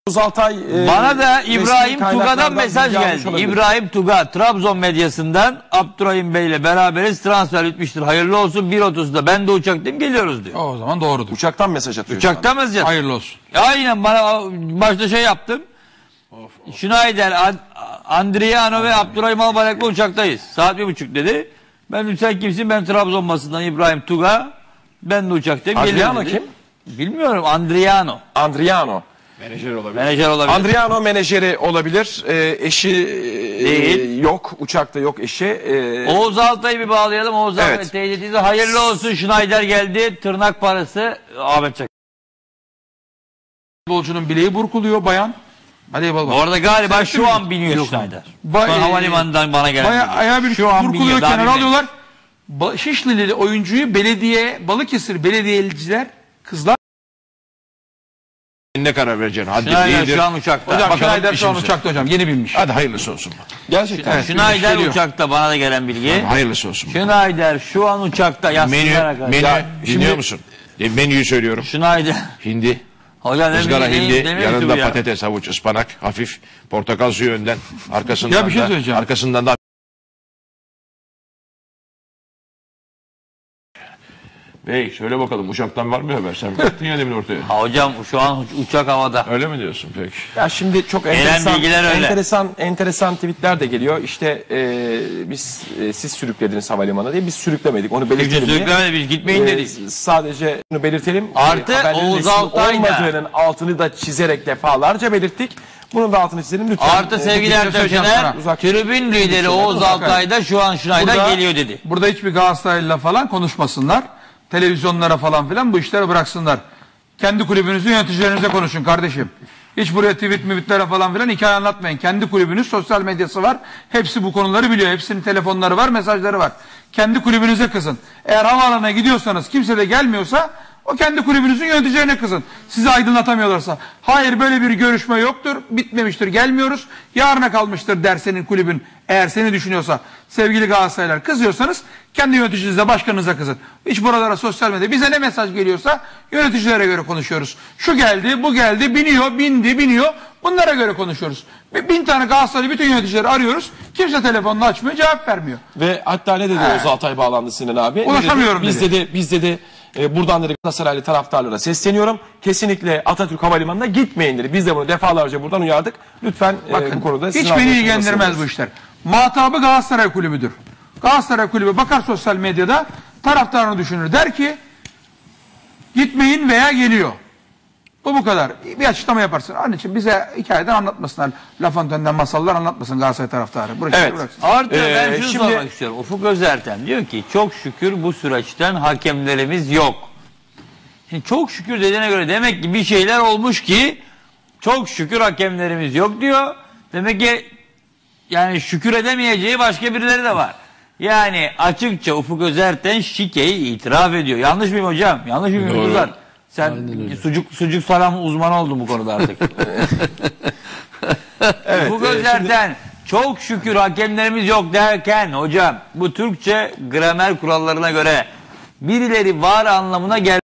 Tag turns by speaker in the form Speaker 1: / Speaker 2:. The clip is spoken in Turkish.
Speaker 1: Altay,
Speaker 2: bana da İbrahim Tuga'dan
Speaker 1: kaynaklardan
Speaker 2: mesaj
Speaker 1: bilgi almış
Speaker 2: geldi.
Speaker 1: olabilir.
Speaker 2: İbrahim Tuga, Trabzon medyasından Abdurrahim Bey ile beraberiz. Transfer bitmiştir. Hayırlı olsun. 1.30'da ben de uçaktayım, geliyoruz diyor.
Speaker 3: O zaman doğrudur.
Speaker 1: Uçaktan mesaj atıyor.
Speaker 2: Uçaktan mesaj atıyor.
Speaker 3: Hayırlı olsun.
Speaker 2: Aynen, bana başta şey yaptım. Schneider, Andriano ve Abdurrahim Albayrak'la uçaktayız. Saat 1.30 dedi. Ben sen kimsin? Ben Trabzon basından İbrahim Tuga. Ben de uçaktayım.
Speaker 1: Andriano
Speaker 2: dedi.
Speaker 1: kim?
Speaker 2: Bilmiyorum. Andriano.
Speaker 1: Andriano.
Speaker 2: Menajer olabilir.
Speaker 1: Andriano menajeri olabilir. Eşi
Speaker 2: Değil.
Speaker 1: yok. Uçakta yok eşi.
Speaker 2: Oğuz Altay'ı bir bağlayalım. Oğuz Altay
Speaker 1: Evet.
Speaker 2: teyzeciğize hayırlı olsun. Schneider geldi. Tırnak parası Ahmet Çakar.
Speaker 3: Futbolcunun bileği burkuluyor bayan. Hadi eyvallah.
Speaker 2: Bu arada galiba
Speaker 3: Sen
Speaker 2: şu an biniyor Schneider. Şu an
Speaker 3: Bay-
Speaker 2: havalimanından bana gelen.
Speaker 3: Bayağı ayağı bir
Speaker 2: şu an
Speaker 3: burkuluyor,
Speaker 2: biniyor. Daha
Speaker 3: kenara
Speaker 2: binmedi.
Speaker 3: alıyorlar. Şişlili oyuncuyu Balıkesir belediyeciler kızlar.
Speaker 4: Ne karar vereceksin? Hadi
Speaker 2: Schneider
Speaker 4: iyidir.
Speaker 2: şu an uçakta.
Speaker 3: Hocam
Speaker 4: Bakalım
Speaker 3: Schneider şu an
Speaker 4: işimize.
Speaker 3: uçakta hocam, yeni binmiş.
Speaker 4: Hadi hayırlısı olsun.
Speaker 1: Gerçekten.
Speaker 3: Evet.
Speaker 2: Schneider
Speaker 3: geliyor.
Speaker 2: uçakta, bana da gelen bilgi.
Speaker 4: Hayırlısı olsun.
Speaker 2: Schneider şu an uçakta. Yazsınlar arkadaşlar.
Speaker 4: Dinliyor musun? Menüyü söylüyorum.
Speaker 2: Schneider.
Speaker 4: Hindi,
Speaker 2: Hocam ne
Speaker 4: ızgara
Speaker 2: bileyim,
Speaker 4: hindi,
Speaker 2: ne
Speaker 4: yanında
Speaker 2: mevzu bu ya?
Speaker 4: patates, havuç, ıspanak, hafif portakal suyu önden, arkasından
Speaker 3: Ya bir şey
Speaker 4: da,
Speaker 3: söyleyeceğim.
Speaker 4: arkasından da Bey söyle bakalım, uçaktan var mı haber? Sen baktın ya demin ortaya.
Speaker 2: Ha, hocam şu an uçak havada.
Speaker 4: Öyle mi diyorsun peki?
Speaker 1: Ya şimdi çok
Speaker 2: bilgiler öyle.
Speaker 1: enteresan tweetler de geliyor. İşte siz sürüklediniz havalimanına diye, biz sürüklemedik. Onu
Speaker 2: Kimse
Speaker 1: belirtelim diye.
Speaker 2: sürüklemedi, biz gitmeyin dedik.
Speaker 1: Sadece bunu belirtelim.
Speaker 2: Artı
Speaker 1: Haberlerin
Speaker 2: Oğuz
Speaker 1: resmi
Speaker 2: Altay da.
Speaker 1: olmadığının altını da çizerek defalarca belirttik. Bunun da altını çizelim lütfen.
Speaker 2: Artı sevgili
Speaker 3: bir şey
Speaker 2: Ertem
Speaker 3: söyleyeceğim
Speaker 2: Şener,
Speaker 3: sana.
Speaker 1: Uzak-
Speaker 2: tribün lideri Oğuz Altay da şu an Schneider geliyor dedi.
Speaker 3: Burada hiçbir Galatasaraylı'yla falan konuşmasınlar. Televizyonlara falan filan bu işleri bıraksınlar. Kendi kulübünüzün yöneticilerinize konuşun kardeşim. Hiç buraya tweetlere falan filan hikaye anlatmayın. Kendi kulübünüz, sosyal medyası var. Hepsi bu konuları biliyor. Hepsinin telefonları var, mesajları var. Kendi kulübünüze kızın. Eğer havaalanına gidiyorsanız kimse de gelmiyorsa o kendi kulübünüzün yöneticilerine kızın. Sizi aydınlatamıyorlarsa. Hayır, böyle bir görüşme yoktur, bitmemiştir, gelmiyoruz. Yarına kalmıştır der senin kulübün. Eğer seni düşünüyorsa, sevgili Galatasaraylılar, kızıyorsanız kendi yöneticinize, başkanınıza kızın. Hiç buralara, sosyal medya, bize ne mesaj geliyorsa yöneticilere göre konuşuyoruz. Şu geldi, bu geldi, biniyor, biniyor. Bunlara göre konuşuyoruz. 1000 tane Galatasaraylı bütün yöneticileri arıyoruz. Kimse telefonunu açmıyor, cevap vermiyor.
Speaker 1: Ve hatta ne dedi Oğuz Altay bağlandı Sinan abi?
Speaker 3: Ulaşamıyorum dedi.
Speaker 1: Biz dedi buradan dedi Galatasaraylı taraftarlara sesleniyorum. Kesinlikle Atatürk Havalimanı'na gitmeyin dedi. Biz de bunu defalarca buradan uyardık. Lütfen bu konuda
Speaker 3: Hiç beni ilgilendirmez bu işler. Muhatabı Galatasaray Kulübü'dür. Galatasaray Kulübü bakar sosyal medyada, taraftarını düşünür. Der ki gitmeyin veya geliyor. Bu kadar. Bir açıklama yaparsın. Onun için bize hikayeden anlatmasınlar. La Fontaine'den masallar anlatmasın Galatasaray taraftarı.
Speaker 1: Evet.
Speaker 2: Artı ben şunu
Speaker 1: şimdi-
Speaker 2: sormak istiyorum. Ufuk Özertem diyor ki çok şükür bu süreçten hakemlerimiz yok. Şimdi çok şükür dediğine göre demek ki bir şeyler olmuş ki çok şükür hakemlerimiz yok diyor. Demek ki yani şükür edemeyeceği başka birileri de var. Yani açıkça Ufuk Özerten şikeyi itiraf ediyor. Yanlış mıyım hocam? Yanlış mıyım
Speaker 4: Doğru.
Speaker 2: Ufuk? Sen sucuk salam uzmanı oldun bu konuda artık.
Speaker 1: Evet,
Speaker 2: Ufuk Özerten çok şükür hakemlerimiz yok derken hocam bu Türkçe gramer kurallarına göre birileri var anlamına gel.